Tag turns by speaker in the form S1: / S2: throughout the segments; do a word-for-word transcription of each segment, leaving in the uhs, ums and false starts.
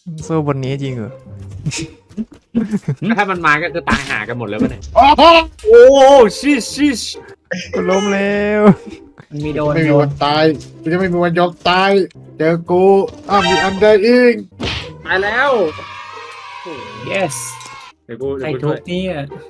S1: สู้บนนี้จริงเหรอ
S2: ถ้ามันมาก็คือตายหากันหมดแล้วเนี่ย
S3: โอ้โห
S2: โอ้ชิชิช
S1: กูล้มแล้ว
S4: มันมีโดน
S3: ไม่มี
S4: โด
S3: วันนตายกูจะไม่มีวันยอมตายเจอกูอ้าวมีอันใดอีก
S2: ตายแล้ว
S4: yes
S2: เดี๋ยวกู
S4: ใคร
S2: เดี๋ยวกู
S4: ทุ
S2: ช่ว
S4: ก
S2: ย
S4: เนี่ย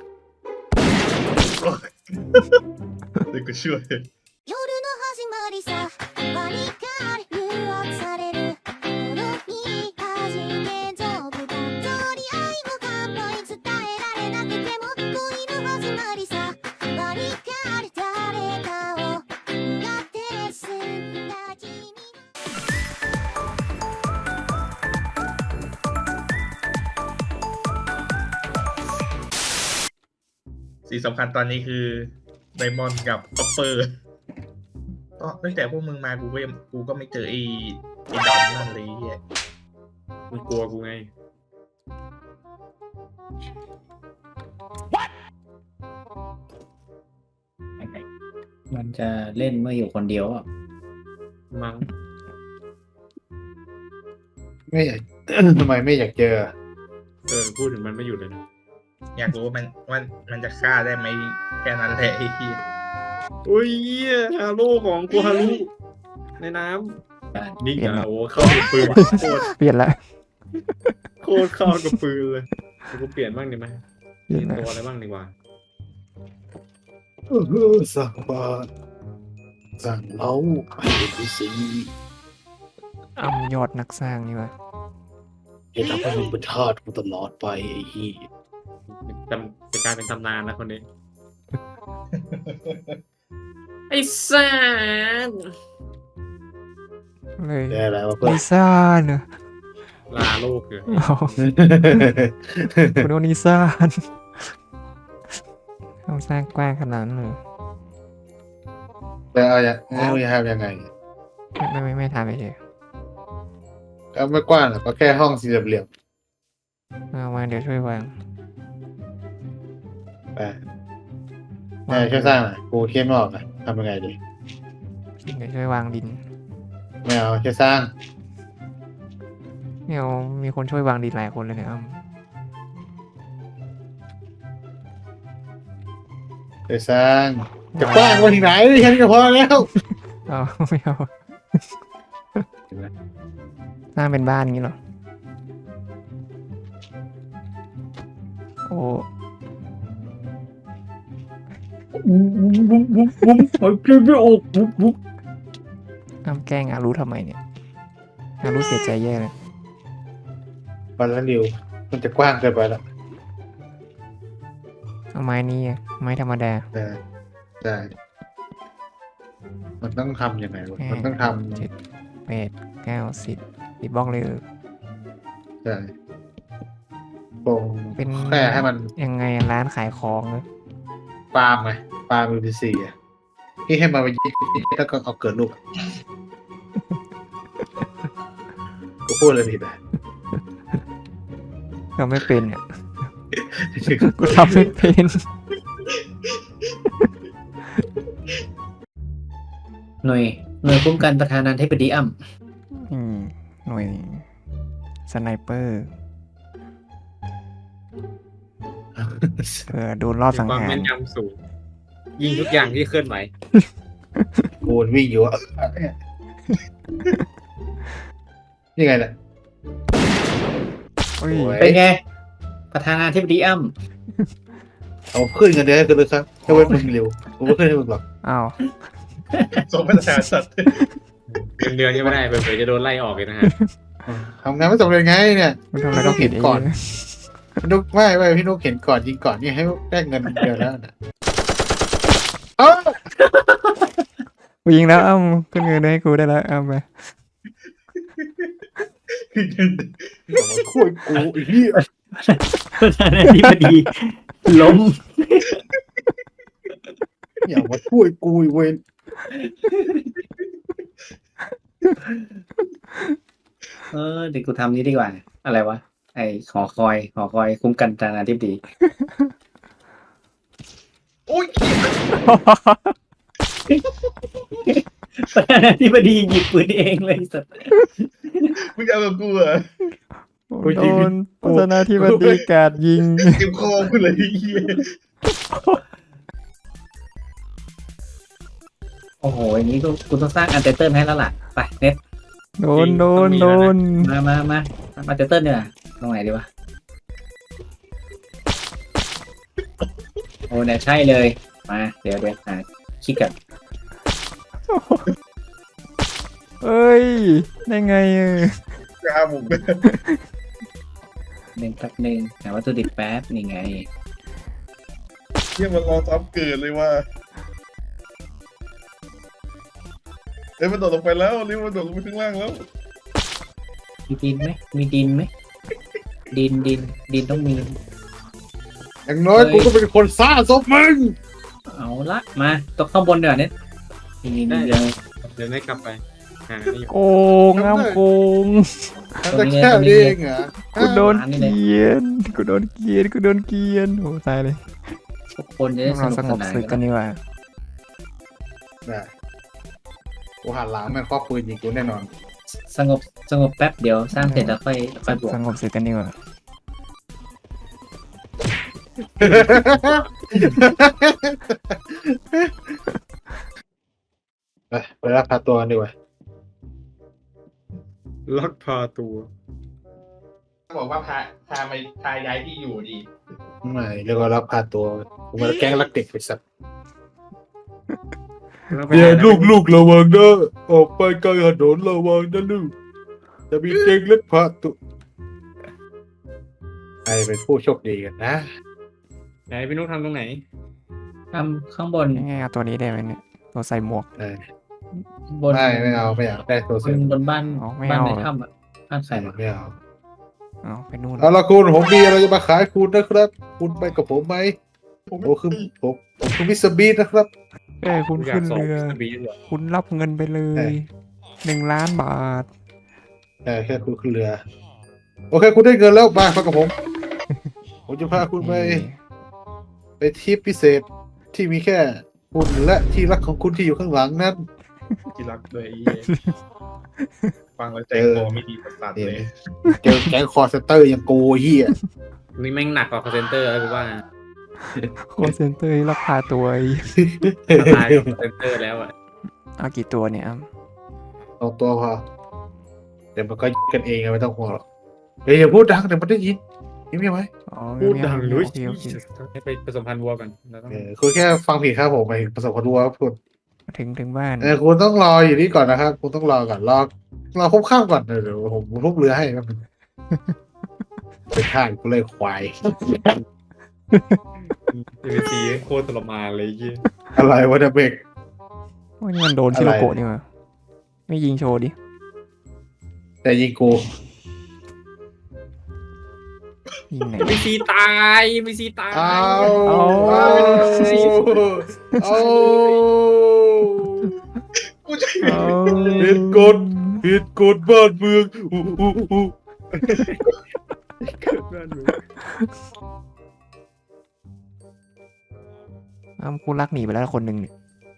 S5: เดี๋ยวกูช่วย
S6: 夜の始まりさバリカー誘惑されるこの日初め丈夫だとりあいも完璧伝えられなくても恋の始まりさバリカー誰かを苦手すんだ君
S5: สิ่งสำคัญตอนนี้คือไดมอนด์กับคอปเปอร์ก็ตั้งแต่พวกมึงมากูก็ยังกูก็ไม่เจอไอ้ไอ้ดอนนั่นเลยเฮีย
S2: มันกลัวกูไง
S4: มันจะเล่นเมื่ออยู่คนเดียวอ่ะ
S2: มั้ง
S3: ไม่อยาก ทำไมไม่อยากเจอ
S2: เออพูดถึงมันไม่หยุดเลยนะ
S5: อยากรู้ว่ามันว่ามันจะฆ่าได้ไหมแค่นั้นแหละไอ้เฮีย
S2: โอ้ยเหี้ยฮาโร่ของกูฮารุในน้ำนี่อ่ะโอ้เข้ากับปืนโคตร
S1: เปลี่ยนละ
S2: โคตรเข้ากับปืนเลยเดี๋ยวกูเปลี่ยนบ้างดีไหม
S1: เปลี่ยน
S2: เปลี่ยน
S1: ละ
S2: ตัวอะไรบ้างดีกว่า
S3: เออสั่งบาตรสั่งเล้าไอ้พีซี
S1: เอายอดนักสร้างนี่วะ
S3: จะทำให้มึงเป็นทาสกูตลอดไปไอ้ฮีย
S2: จำจะกลายเป็นตำนานแล้วคนนี้ ไอ้สัส
S1: เลย
S3: ได้แล้วเพื่อ
S1: นิ
S3: น
S1: ซ่าเนอะ
S2: ลาโลกเลย
S1: เอาคุณโดนิซ่าเอาสร้างกว้างขนาดนั้นเลย
S3: แล้วเอาอย่างเอาอย่างทำยังไง
S1: ไม่ไม่ไม่ทำไปเฉย
S3: ก็ไม่กว้างหรอกก็แค่ห้องสี่เหลี่ยม
S1: เอามาเดี๋ยวช่วยวาง
S3: ๆไปแม่ช่วยสร้างหน่อยกูเขียนไม่ออกอะทำยังไงดี
S1: เดี๋ยวช่วยวางดิน
S3: ไม่เอาช่วยสร้าง
S1: เนี่ยมีคนช่วยวางดินหลายคนเลยเนี่ยเอา
S3: ช่วยสร้างจะกว้างมาถึงไหนแค่นี้ก็พอแล้ว
S1: เอาไม่เอาสร้างเป็นบ้านงี้เหรอโอ้
S4: บุ้มบุ้มบุ้มบุ้มหายใจไม่ออกบุ้มบุ้ม
S1: อ้ำแกล้งอารู้ทำไมเนี่ยอารู้เสียใจแย่เลย
S3: วันละเร็วมันจะกว้างเกินไปแล้ว
S1: เอาไม้นี้อะไม้ธรรมดา
S3: ใช่ใช่มันต้องทำยังไงวะมันต้องท
S1: เจ็ดแปดเก้าสิบสิบบล็อกเลยเออ
S3: ำใช่โปร่ง
S1: เป็น
S3: แค่ให้มัน
S1: ยังไงอะร้านขายของเลย
S3: ฟาร์มไงฟาร์มยูพีซีอ่ะที่ให้มันไปยิงแล้วก็เอาเกิดลูกอะกูพูดอะไรผิดอ่ะ
S1: ทำไม่เป็นเนี่ยกูทำไม่เป็น
S4: หน่วยหน่วยคุ้มกันประธานาธิบดีอ้ำ
S1: อืมหน่วยสไนเปอร์เผื่อโดนรอบสัง
S2: ความ
S1: หาร
S2: แม่นยำสูง ยิงทุกอย่างที่เคลื่อนไหว
S3: กูวิ่งอยู่อ่ะนี่ไงเนี่ย
S1: โอ้ย
S3: โอ้ย
S4: เป็นไง ประธานาธิบดีอ้ำ
S3: เอาขึ้นกันเดือนให้กันเลยครับถ้าเว้นมึงเร็วกูไม่ขึ้นให้มึงหรอก
S1: อ้าว
S5: สมเป็นแสนสัตว์
S2: เดือนเดือนยังไม่ได้เผื่อๆจะโดนไล่ออกเลยนะฮะ
S3: ทำงานไม่สำเร็จไงเนี่ย
S1: มันทำอะไรต้องผิดเอง
S3: ก่อน พี่นุกไม่ไม่พี่นุกเห็นก่อนยิงก่อนนี่ให้ได้เงินเดือนแล้วนะเอ้า
S1: กูยิงแล้วอ้ำขึ้นเงินให้กูได้แล้วเอาไป
S3: อย่ามาคุยกูไอ้เหี้ย
S4: ประธานาธิบดีล้ม
S3: อย่ามาคุยกูไอ้เวน
S4: เออเดี๋ยวกูทำนี้ดีกว่า อะไรวะ ไอหอคอยหอคอยคุ้มกันประธานาธิบดี
S5: โอ้ย
S4: ประธานาธิบดีหยิบปืนเองเลยสัตว์
S5: มึงจะเอาแบบกูเหรอ
S1: โอ้
S3: กู
S1: โด
S3: ยิง
S1: นโฆษณาที่บันดีกาดยิง
S5: เก็บคอกูเลยไอ้เหี้ย
S4: โอ้โหอย่างนี้กูกูต้องสร้างอันเตอร์เติลให้แล้วล่ะไปเน็ต
S1: โดนโดนโดน
S4: มามามามาเตอร์เติลเนี่ยตรงไหนดีวะโอ้เนี่ยใช่เลยมาเดี๋ยวเดี๋ยวหาคลิกกัน
S1: เอ้ย ได้ไงเออก
S5: ล้าบุกเลย
S4: หนึ่งแป๊บหนึ่งหาวัตถุดิบแป๊บนี่ไง
S5: เหี้ยมันรอซ้ำเกิดเลยว่าเอ้ยมันโดดลงไปแล้วนี่มันโดดลงไปข้างล่างแล้ว
S4: มีดินไหมมีดินไหมดินดินดินต้องมี
S3: อย่างน้อย
S4: เฮ้ย
S3: กูก็เป็นคนซ่าศพมึง
S4: เอาละมาตกข้างบนเดี๋ยวเน็ตนี่นี่นี่เดี๋ยว
S2: เดี๋ยวได้กลับไปหานี่
S1: โกงอ้ามโกง
S3: แต่แค่นี้เองเหรอ
S1: กูโดนเกลียนกูโดนเกลียนกูโดนเกลียนโอ้ตายเลย
S4: ทุกคนจะได้ส
S1: เรา
S4: นุก
S1: ส
S4: ส
S1: งบ
S4: นาน
S1: ศึกกั
S4: กัน น
S1: ดีกว่า
S3: ได้กูหันหลังแม่งครอบปืนยิงกูแน่นอน
S4: สงบสงบแป๊บเดี๋ยวสร้างเสร็จแล้วค่อยค่อยบวก
S1: สงบศึกกันดีกว่า
S3: ไปไปรับพาตัวกันดีกว่า
S2: ลักพาตัว
S5: บอกว่าพาพาไปพาย้ายที่อยู่ดี
S3: ไม่เรียกว่ารับพาตัวกูมาแกล้งรักเด็กไปสัตว์
S2: แล้วไป
S3: เดี๋ย
S2: หาว
S3: ลูกลูกระวังนะออกไปกลางถนนระวังนะลูกจะมีเด็กเล็กพาตัวใครเป็นผู้โชคดีกันนะ
S2: ไหนพี่นุ๊กทำตรงไหน
S4: ทำข้างบน
S1: ยังไงเอาตัวนี้ได้ไหมเนี่ยตัวใส่หมวก
S3: เออบ
S4: น
S3: ไม่ไม่เอาไม่อยากได้ตัว
S4: บ
S3: เสริ
S4: น
S3: ม
S4: บนบ้าน
S1: อ๋อไม่
S4: บ้าน
S1: เอา
S4: ใน
S1: เหรอ
S4: ถ้ำอ่ะบ้านใครมา
S3: ไม่เอา
S1: เอาไปนู่น
S3: เอาละคุณผมมีอะไรจะมาขายคุณนะครับ คุณไปกับผมไหมผมคือผมผมคือมิสเตอร์บีนนะครับ
S1: เอ้ยคุณ
S2: อยา
S1: ขึ้
S2: ก
S1: น
S2: สอบ
S1: เรือ
S2: สบีเหรอ
S1: คุณรับเงินไปเล
S3: เอ้
S1: ย
S3: ย
S1: หนึ่งล้านบาท
S3: ใช่แค่คุณขึ้นเรือ โอเค คุณได้เงินแล้วมามากับผม ผมจะพาคุณไป ไปทริปพิเศษที่มีแค่คุณและที่รักของคุณที่อยู่ข้างหลังนั้น
S5: ที่รักด้วยไอ้เหี้ยฟังแล้วใจคอไม่ดีประสาทเลย
S3: เจอแก๊งคอร์เซนเตอร์อย่างกูเฮีย
S2: นี่แม่งหนักกว่าคอเซนเตอร์แล้วกูว่า
S1: โคเซนเตอร์รับพาตัวไอ้
S2: ตายกับคอเซนเตอร์แล้วอ่ะ
S1: เอากี่ตัวเนี่ยอ้ำ
S3: เอาตัวพอเดี๋ยวมันก็ยิงกันเองอะไม่ต้องห่วงหรอกเฮ้ยอย่าพูดดังเดี๋ยวมันได้ยินยินไหมไหม
S1: อ๋อ
S2: พูดดัง
S1: ไม่
S2: ด้
S1: เอา
S2: วย
S1: โอเคโอเค
S2: ให้ไปผสมพันธุ์วัวก่อนแล้วต้อง
S3: เออคุณแค่ฟังผิดครับผมไปประสบความรู้ครับคุณ
S1: ถึงถึงบ้าน
S3: เออคุณต้องรออยู่นี่ก่อนนะครับ คุณต้องรอก่อนรอรอครบข้ามก่อนเดี๋ยวเดี๋ยวผมทุบเรือให้ครับเป็นข้างกูเลยควาย
S2: เอฟซีโคตรทรมานเลยไอ้เหี้ย
S3: อะไรวะเนี่ยเบก
S1: โอ้ยนี่มันโดนชิโรโกะนี่หว่าไม่ยิงโชว์ดิ
S3: แต่ยิงกู
S1: ยิงไหน
S2: มีซีตายมีซีตาย
S3: เอา
S1: เอา
S3: เอาเอา
S5: กูจะ
S1: เอา
S3: ผิดกฎผิดกฎบ้านเมืองอู้อู้อู้
S1: อ้ำกูรักหนีไปแล้วคนหนึ่งเนี่ย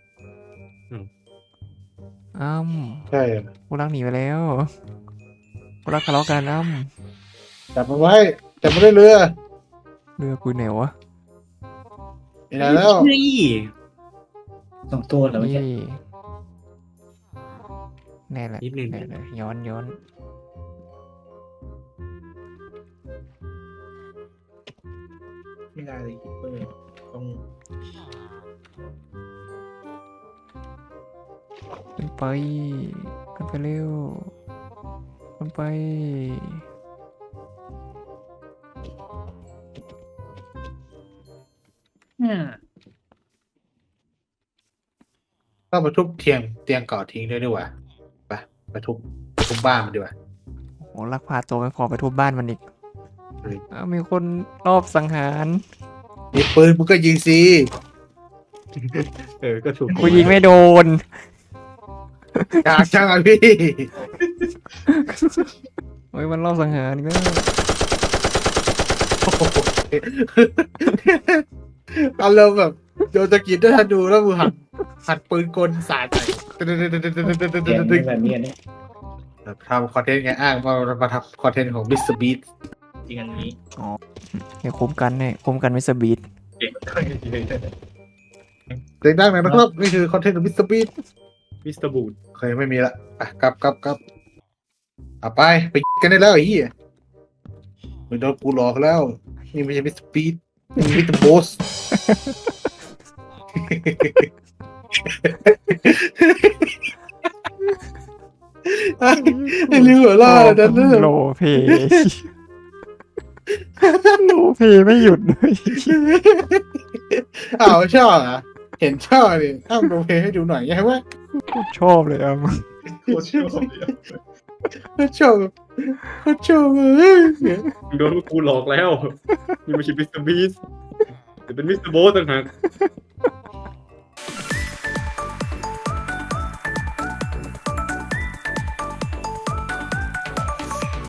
S1: อ้ำ
S3: ใช่
S1: กูรักหนีไปแล้วกูรักทะเลาะกันอ้ำ
S3: จับมันไว้จับมันได้เรือ
S1: เรือกูไหนวะ
S3: ไม่ได้แล้ว
S4: สองตัวแล้วไม่ใช่
S1: นี่แน่แหละ
S2: นิดนึง
S1: แน่เลยย้อนย้อน
S5: ไม่ได้เลยคิปเปอร์ต้อง
S1: ขึ้นไปขึ้นไปเร็วขึ้นไป
S3: ต้องมาทุบเตียงเตียงเก่าทิ้งด้วยดีกว่าไปไปทุบไปทุบบ้านมันดีกว่า
S1: โอ้ลักพาตัวไม่พอไปทุบบ้านมันอีก
S3: เฮ้ย
S1: อ้าวมีคนรอบสังหาร
S3: มีปืนมึงก็ยิงสิ
S2: เออก็ถูก
S1: กูยิงไม่โดน
S3: กากจังอ่ะพี่
S1: โอ้ยมันรอบสังหารก็
S3: โอ้โหอารมณ์แบบโยนตะกิดด้วยทันดูแล้วมึงหันหันปืนกลสาดใส่
S4: เสียงนี่แบบนี้เนี่ย
S3: เอแบบทำคอนเทนต์ไงอ้างว่าเรามาทำคอนเทนต์ของมิสเตอร์บีท
S5: จริงอันนี้
S1: เดี๋ยวคุ้มกันเนี่ยคุ้มกันมิสเตอร์บีท
S5: เก่งมากจริงๆ
S3: เสียงดังหน่อยนะครับนี่คือคอนเทนต์ของมิสเตอร์บีท
S2: มิสเตอร์บูด
S3: เคยไม่มีละอ่ะกลับกลับกลับเอาไปไปกันได้แล้วไอ้เหี้ยมึงโดนกูหลอกแล้วนี่ไม่ใช่มิสเตอร์บีทนี่มิสเตอร์โบส ไอ้ลิวหัวล่าดันเนอร์
S1: โลเพย์โลเพย์ไม่หยุดเลย
S3: อ้าวชอบอ่ะเห็นชอบดิอ้าวโรลเพลย์ให้ดูหน่อยไงวะ
S1: ชอบเลยอ่ะ
S5: โคตรชอบเลยอะ
S3: เขาชอบเขาชอบเอ้ย
S2: มึงโดนพวกกูหลอกแล้วนี่ไม่ใช่มิสเตอร์บีสแต่เป็นมิสเตอร์โบสต่างหาก